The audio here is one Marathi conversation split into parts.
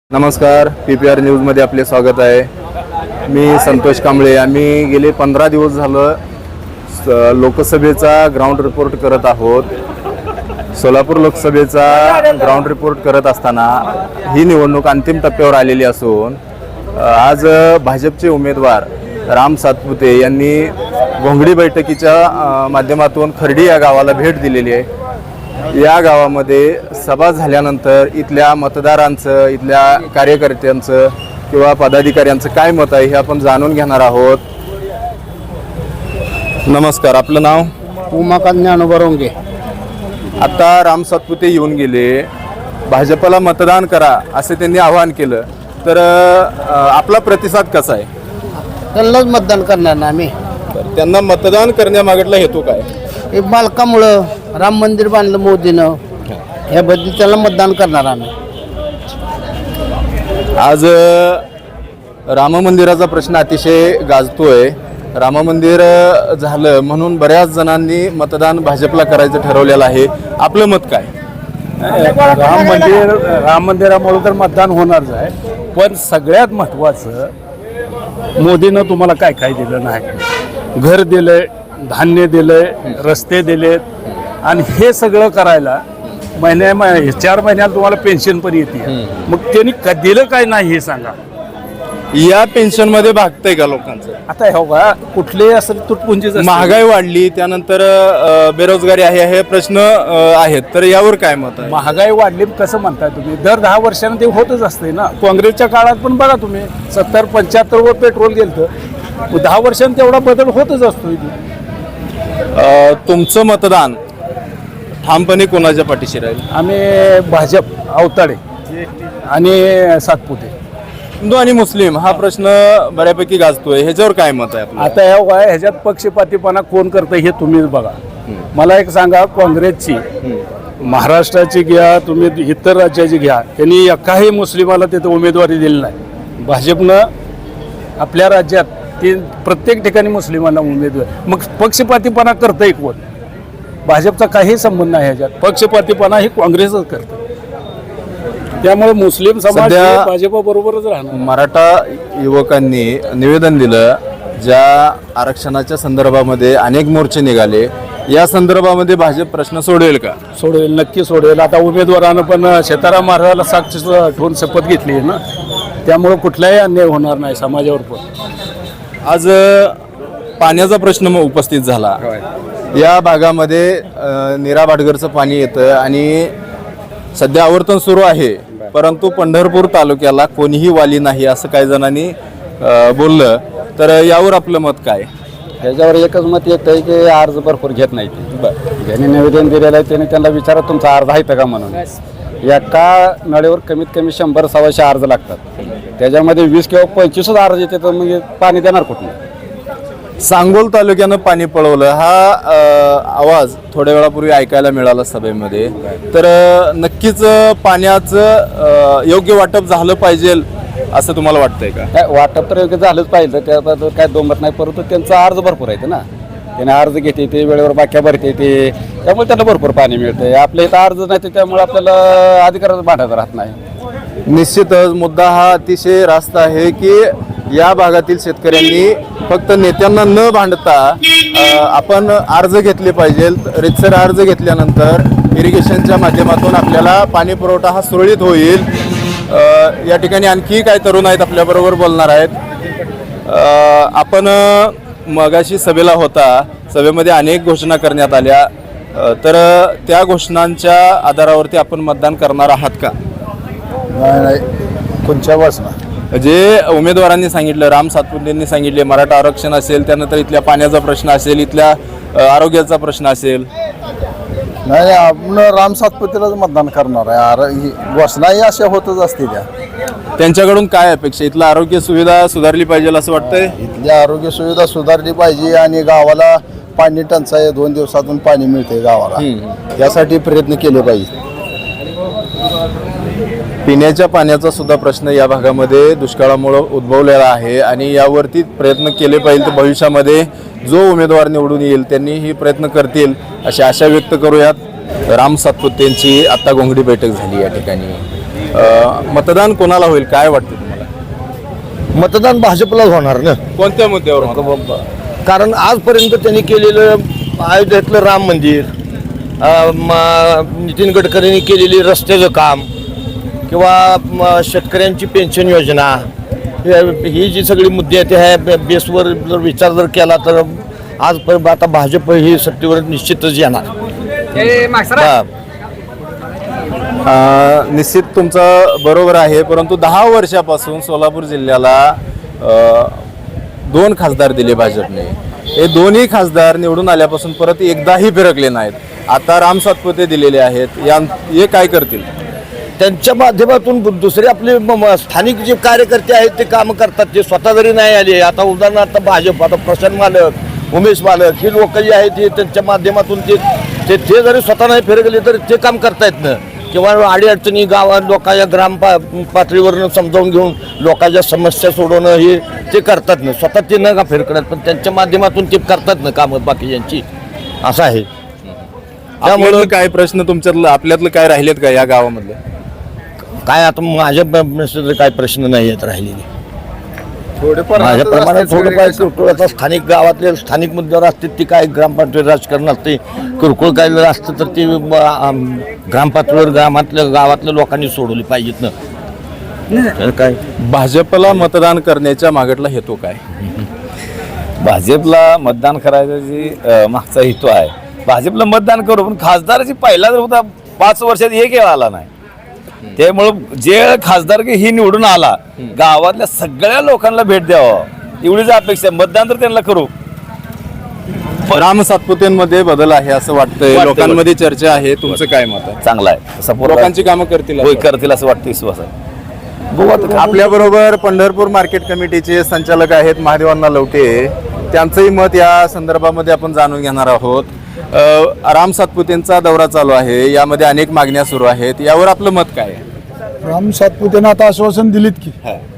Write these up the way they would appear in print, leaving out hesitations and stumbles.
नमस्कार, PPR न्यूजमध्ये आपले स्वागत आहे. मी संतोष कांबळे. आम्ही गेले 15 दिवस झालं लोकसभेचा ग्राउंड रिपोर्ट करत आहोत. सोलापूर लोकसभेचा ग्राउंड रिपोर्ट करत असताना ही निवडणूक अंतिम टप्प्यावर आलेली असून आज भाजपचे उमेदवार राम सातपुते यांनी घोंगडी बैठकीच्या माध्यमातून खर्डी या गावाला भेट दिलेली आहे. या गावामध्ये सभा झाल्यानंतर इथल्या मतदारांचं, इथल्या कार्यकर्त्यांचं किंवा पदाधिकाऱ्यांचं काय मत आहे हे आपण जाणून घेणार आहोत. नमस्कार, आपलं नाव? उमाकांत ज्ञानोबा रोंगे. आता राम सातपुते येऊन गेले, भाजपला मतदान करा असे त्यांनी आवाहन केलं, तर आपला प्रतिसाद कसा आहे? त्यांनाच मतदान करणार ना आम्ही. त्यांना मतदान करण्यामागला हेतू काय? हे बालकामुळं राम मंदिर बांधलं मोदीनं, याबद्दल त्याला मतदान करणार आम्ही. आज राम मंदिराचा प्रश्न अतिशय गाजतोय. राम मंदिर झालं म्हणून बऱ्याच जणांनी मतदान भाजपला करायचं ठरवलेलं आहे. आपलं मत काय? राम मंदिरामुळे तर मतदान होणारच आहे, पण सगळ्यात महत्त्वाचं मोदीनं तुम्हाला काय काय दिलं नाही. घर दिलंय, धान्य दिलंय, रस्ते दिलेत, आणि हे सगळं करायला 4 महिन्यात तुम्हाला पेन्शन पण येते. मग त्यांनी दिलं काय नाही हे सांगा. या पेन्शन मध्ये भागतंय का लोकांचं? आता हो का, कुठलेही असेल तुटपुंजीच असते. महागाई वाढली, त्यानंतर बेरोजगारी आहे, हे प्रश्न आहेत, तर यावर काय मत आहे? महागाई वाढली कसं म्हणताय तुम्ही? दर 10 वर्षांना ते होतच असते ना. काँग्रेसच्या काळात पण बघा तुम्ही, 70-75 वर पेट्रोल गेलं, 10 वर्षांनी तेवढा बदल होतच असतो. तुमचं मतदान ठामपणे कोणाच्या पाठीशी राहील? आम्ही भाजप, अवताडे आणि सातपुते. हिंदू आणि मुस्लिम हा प्रश्न बऱ्यापैकी गाजतोय, ह्याच्यावर काय मत आहे आपलं? आता ह्याच्यात पक्षपातीपणा कोण करतं हे तुम्हीच बघा. मला एक सांगा, काँग्रेसची महाराष्ट्राची घ्या, तुम्ही इतर राज्याची घ्या, त्यांनी एकाही मुस्लिमाला तिथं उमेदवारी दिली नाही. भाजपनं आपल्या राज्यात ते प्रत्येक ठिकाणी मुस्लिमांना उमेदवार. मग पक्षपातीपणा करतंय कोण? भाजपचा काही संबंध नाही ह्याच्यात. पक्षपातीपणा ही काँग्रेसच करतं. त्यामुळे मुस्लिम समाज भाजपबरोबरच राहणार. मराठा युवकांनी निवेदन दिलं, ज्या आरक्षणाच्या संदर्भामध्ये अनेक मोर्चे निघाले, या संदर्भामध्ये भाजप प्रश्न सोडवेल का? सोडवेल, नक्की सोडवेल. आता उमेदवारानं पण सीताराम महाराजाला साक्ष ठेवून शपथ घेतली आहे ना, त्यामुळे कुठलाही अन्याय होणार नाही समाजावर. पण आज पाण्याचा प्रश्न उपस्थित झाला. या भागामध्ये नीरा भाटघरचं पाणी येतं आणि सध्या आवर्तन सुरू आहे, परंतु पंढरपूर तालुक्याला कोणीही वाली नाही असं काही जणांनी बोललं, तर यावर आपलं मत काय? ह्याच्यावर एकच मत येतं आहे की अर्ज भरपूर घेत नाही. ज्यांनी निवेदन दिलेलं आहे त्याने त्यांना विचारा तुमचा अर्ज आहे का म्हणून. एका नळीवर कमीत कमी 100-125 अर्ज लागतात. त्याच्यामध्ये 20 किंवा 25 अर्ज येते, तर मग पाणी देणार कुठून? सांगोल तालुक्यानं पाणी पळवलं हा आवाज थोड्या वेळापूर्वी ऐकायला मिळाला सभेमध्ये. तर नक्कीच पाण्याचं योग्य वाटप झालं पाहिजे असं तुम्हाला वाटतंय का? काय वाटप तर योग्य झालंच पाहिजे, त्याबद्दल काय दोमत नाही. परंतु त्यांचा अर्ज भरपूर आहे ना, त्याने अर्ज घेते, ते वेळेवर बाक्या भरते, ते त्यामुळे त्यांना भरपूर पाणी मिळतं. आपल्या इथं अर्ज नाही, त्यामुळे आपल्याला अधिकारच भांडायचं राहत नाही. निश्चितच मुद्दा हा अतिशय रास्त आहे की या भागातील शेतकऱ्यांनी फक्त नेत्यांना न भांडता आपण अर्ज घेतले पाहिजेत. रितसर अर्ज घेतल्यानंतर इरिगेशनच्या माध्यमातून आपल्याला पाणी पुरवठा हा सुरळीत होईल. या ठिकाणी आणखी काही तरुण आहेत आपल्याबरोबर बोलणार आहेत. आपण मगाशी सभेला होता, सभेमध्ये अनेक घोषणा करण्यात आल्या, तर त्या घोषणांच्या आधारावरती आपण मतदान करणार आहात का? नाही, कोणत्या वाचना जे उमेदवारांनी सांगितलं, राम सातपुतेंनी सांगितले, मराठा आरक्षण असेल, त्यानंतर इथल्या पाण्याचा प्रश्न असेल, इथल्या आरोग्याचा प्रश्न असेल. नाही, आपण राम सातपुतेलाच मतदान करणार आहे. घोषणाही अशा होतच असते. त्यांच्याकडून काय अपेक्षा? इथलं आरोग्य सुविधा सुधारली पाहिजे असं वाटतंय. इथली आरोग्य सुविधा सुधारली पाहिजे आणि गावाला पाणी टंचाई 2 दिवसातून पाणी मिळते गावाला, यासाठी प्रयत्न केले पाहिजे. पिण्याच्या पाण्याचा सुद्धा प्रश्न या भागामध्ये दुष्काळामुळे उद्भवलेला आहे आणि यावरती प्रयत्न केले पाहिजे. तर भविष्यामध्ये जो उमेदवार निवडून येईल त्यांनी ही प्रयत्न करतील अशी आशा व्यक्त करूयात. राम सातपुतेंची आता घोंगडी बैठक झाली या ठिकाणी. मतदान कोणाला होईल काय वाटतं तुम्हाला? मतदान भाजपलाच होणार ना, कोणत्या मुद्द्यावर? कारण आजपर्यंत त्यांनी केलेलं अयोध्येतलं राम मंदिर, नितीन गडकरींनी केलेली रस्त्याचं काम किंवा शेतकऱ्यांची पेन्शन योजना, ही जी सगळी मुद्दे आहेत ह्या बेसवर जर विचार जर केला तर आजपर्यंत आता भाजप ही सत्तेवर निश्चितच येणार. हा. निश्चित तुमचं बरोबर आहे, परंतु 10 वर्षापासून सोलापूर जिल्ह्याला 2 खासदार दिले भाजपने. हे दोन्ही खासदार निवडून आल्यापासून परत एकदाही फिरकले नाहीत. आता राम सातपुते दिलेले आहेत, हे काय करतील? त्यांच्या माध्यमातून दुसरे आपले स्थानिक जे कार्यकर्ते आहेत ते कामं करतात. ते स्वतः जरी नाही आले, आता उदाहरणार्थ भाजप, आता प्रशांत मालक, उमेश मालक ही लोक जी आहेत ते त्यांच्या माध्यमातून ते जरी स्वतः नाही फिरकले तर ते काम करतायत ना. किंवा अडीअडचणी गावात लोकांच्या पातळीवरनं समजावून घेऊन लोकांच्या समस्या सोडवणं हे ते करतात ना. स्वतः ते न का फिरकतात पण त्यांच्या माध्यमातून ते करतात ना कामं बाकीच्यांची, असं आहे. त्यामुळे काय प्रश्न तुमच्यातलं आपल्यातलं काय राहिलेत का या गावामधले? काय आता माझ्या काय प्रश्न नाही आहेत राहिलेले. माझ्या प्रमाणात थोडंफार किरकोळ आता स्थानिक गावातले स्थानिक मुद्द्यावर असते ती काय ग्रामपंचायत राजकारण असते. किरकोळ काय जर असतं तर ती ग्रामपातळीवर गावातल्या लोकांनी सोडवली पाहिजेत ना. काय भाजपला मतदान करण्याच्या मागटला हेतू काय? भाजपला मतदान करायचा जी मागचा हेतू आहे, भाजपला मतदान करू पण खासदाराची पहिला जर होता 5 वर्षात एक वेळ आला नाही. त्यामुळं जे खासदार की ही निवडून आला गावातल्या सगळ्या लोकांना भेट द्यावं एवढीच अपेक्षा. मतदान तर त्यांना करू. राम सातपुतेंमध्ये बदल आहे असं वाटतंय, लोकांमध्ये चर्चा आहे. तुमचं काय मत आहे? चांगला आहे, सपोर्ट लोकांची कामं करतील होय करतील असं वाटतं, विश्वास आहे. आपल्या बरोबर पंढरपूर मार्केट कमिटीचे संचालक आहेत महादेवांना लवटे, त्यांचंही मत या संदर्भामध्ये आपण जाणून घेणार आहोत. राम सातपुतेंचा दौरा चालू आहे, यामध्ये अनेक मागण्या सुरू आहेत, यावर आपलं मत काय आहे? राम सातपुतेनं आता आश्वासन दिलीत की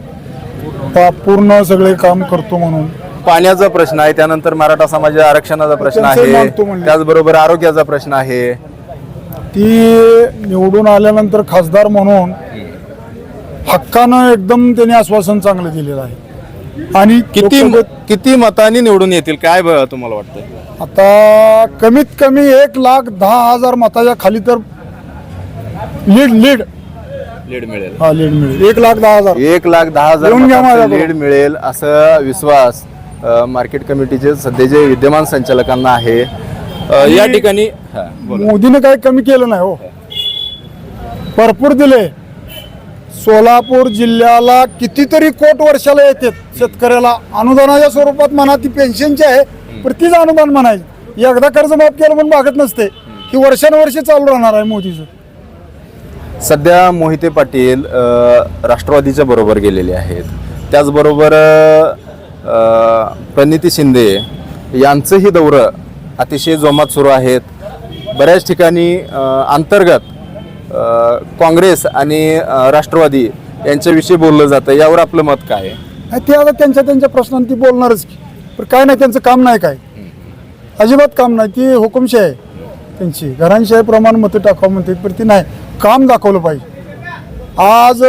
पूर्ण सगळे काम करतो म्हणून. पाण्याचा प्रश्न आहे, त्यानंतर मराठा समाजाच्या आरक्षणाचा प्रश्न त्यांचं आहे, मागतो म्हणले. त्याचबरोबर आरोग्याचा प्रश्न आहे. ती निवडून आल्यानंतर खासदार म्हणून हक्कानं एकदम त्यांनी आश्वासन चांगलं दिलेलं आहे. आणि किती मतांनी निवडून येतील काय तुम्हाला वाटतं? आता कमीत कमी 1,10,000 मताच्या खाली तर लीड लीड मिळेल. हा लीड मिळेल. 1,10,000 1,10,000 येऊन घ्या माझ्याकडून. लीड मिळेल असा विश्वास मार्केट कमिटीचे सध्याचे विद्यमान संचालकांना आहे. या ठिकाणी मोदीने काही कमी केलं नाही हो, भरपूर दिले. सोलापूर जिल्ह्याला कितीतरी कोट वर्षाला येतात शेतकऱ्याला अनुदानाच्या स्वरूपात म्हणा, ती पेन्शनची आहे पण तीच अनुदान म्हणायची. एकदा कर्ज माफ केलं पण भागत नसते, ही वर्षानुवर्षे चालू राहणार आहे मोदीचं. सध्या मोहिते पाटील राष्ट्रवादीच्या बरोबर गेलेले आहेत, त्याचबरोबर प्रणिती शिंदे यांचंही दौरं अतिशय जोमात सुरू आहेत. बऱ्याच ठिकाणी अंतर्गत काँग्रेस आणि राष्ट्रवादी यांच्याविषयी बोललं जातं, यावर आपलं मत काय आहे? ते आता त्यांच्या प्रश्नांती बोलणारच की, पण काय नाही त्यांचं काम नाही, काय अजिबात काम नाही. ती हुकुमशाही आहे त्यांची, घरांशाहीप्रमाणे मतं टाकावं म्हणते पण ती नाही, काम दाखवलं पाहिजे. आज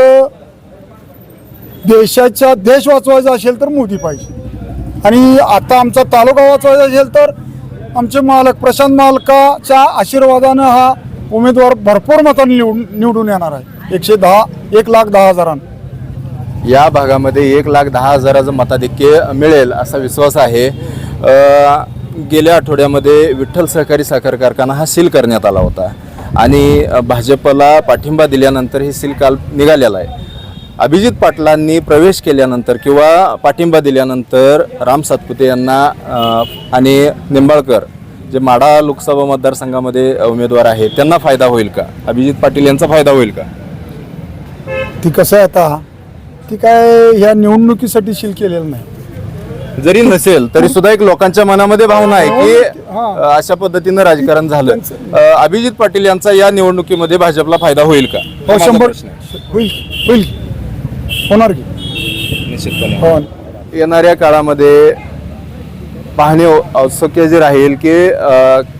देश वाचवायचा असेल तर मोदी पाहिजे, आणि आता आमचा तालुका वाचवायचा असेल तर आमचे मालक प्रशांत मालकाच्या आशीर्वादानं हा उमेदवार भरपूर मतांनी निवडून येणार आहे. 1,10,000. या भागामध्ये 1,10,000 मताधिक्य मिळेल असा विश्वास आहे. गेल्या आठवड्यामध्ये विठ्ठल सहकारी साखर कारखाना हा सील करण्यात आला होता आणि भाजपला पाठिंबा दिल्यानंतर हे सील काल निघालेला आहे. अभिजित पाटलांनी प्रवेश केल्यानंतर किंवा पाठिंबा दिल्यानंतर राम सातपुते यांना आणि निंबाळकर जे माढा लोकसभा मतदारसंघामध्ये उमेदवार आहेत त्यांना फायदा होईल का? अभिजित पाटील यांचा फायदा होईल का? ती कसं आहे आता, ती काय ह्या निवडणुकीसाठी सील केलेलं नाही. जरी नसेल तरी सुद्धा एक लोकांच्या मनामध्ये भावना आहे की अशा पद्धतीनं राजकारण झालं. अभिजित पाटील यांचा या निवडणुकीमध्ये भाजपला फायदा होईल का? हो, 100% होईल, होणार की निश्चितपणे. हो. येणाऱ्या काळामध्ये पाहणे औत्सुक्य जे राहील की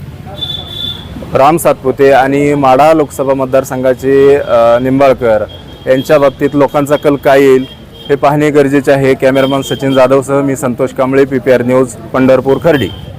राम सातपुते आणि माढा लोकसभा मतदारसंघाचे निंबाळकर यांच्या बाबतीत लोकांचा कल काय येईल हे पाहणे गरजेचे आहे. कॅमेरामन सचिन जाधवसह मी संतोष कांबळे, PPR न्यूज, पंढरपूर, खर्डी.